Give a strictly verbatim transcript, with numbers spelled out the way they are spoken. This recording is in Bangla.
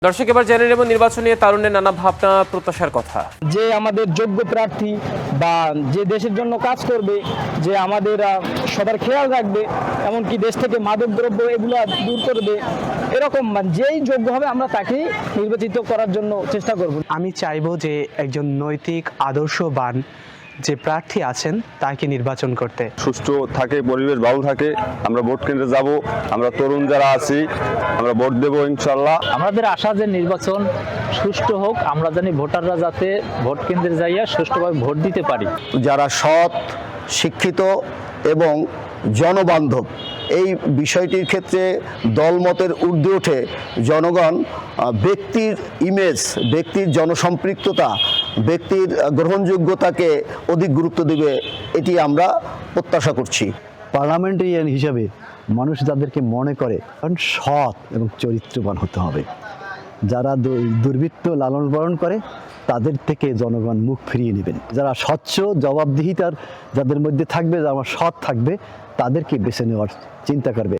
দর্শক এবার জেনে নেব নির্বাচন নিয়ে তারুণ্যের নানা ভাবনা প্রত্যাশার কথা। যে আমাদের যোগ্য প্রার্থী বা যে দেশের জন্য কাজ করবে, যে আমাদের সবার খেয়াল রাখবে, এমনকি দেশ থেকে মাদক দ্রব্য এগুলো দূর করবে, এরকম যেই যোগ্য হবে আমরা তাকে নির্বাচিত করার জন্য চেষ্টা করব। আমি চাইবো যে একজন নৈতিক আদর্শবান যে প্রার্থী আছেন তাকে নির্বাচন করতে। সুষ্ঠু থাকে, পরিবেশ ভালো থাকে, আমরা ভোট কেন্দ্রে যাব, আমরা তরুণ যারা আছি আমরা ভোট দেবো ইনশাল্লাহ। আমাদের আশা যে নির্বাচন সুষ্ঠু হোক, আমরা জানি ভোটাররা যাতে ভোট কেন্দ্রে যাইয়া সুষ্ঠুভাবে ভোট দিতে পারি। যারা সৎ, শিক্ষিত এবং জনবান্ধব, এই বিষয়টির ক্ষেত্রে দলমতের ঊর্ধ্বে ওঠে জনগণ ব্যক্তির ইমেজ, ব্যক্তির জনসম্পৃক্ততা, ব্যক্তির গ্রহণযোগ্যতাকে অধিক গুরুত্ব দেবে, এটি আমরা প্রত্যাশা করছি। পার্লামেন্টারিয়ান হিসাবে মানুষ যাদেরকে মনে করে কারণ সৎ এবং চরিত্রবান হতে হবে। যারা দুর্বৃত্ত লালন পালন করে তাদের থেকে জনগণ মুখ ফিরিয়ে নেবেন। যারা স্বচ্ছ, জবাবদিহিতার যাদের মধ্যে থাকবে, যারা সৎ থাকবে, তাদেরকে বেছে নেওয়ার চিন্তা করবে।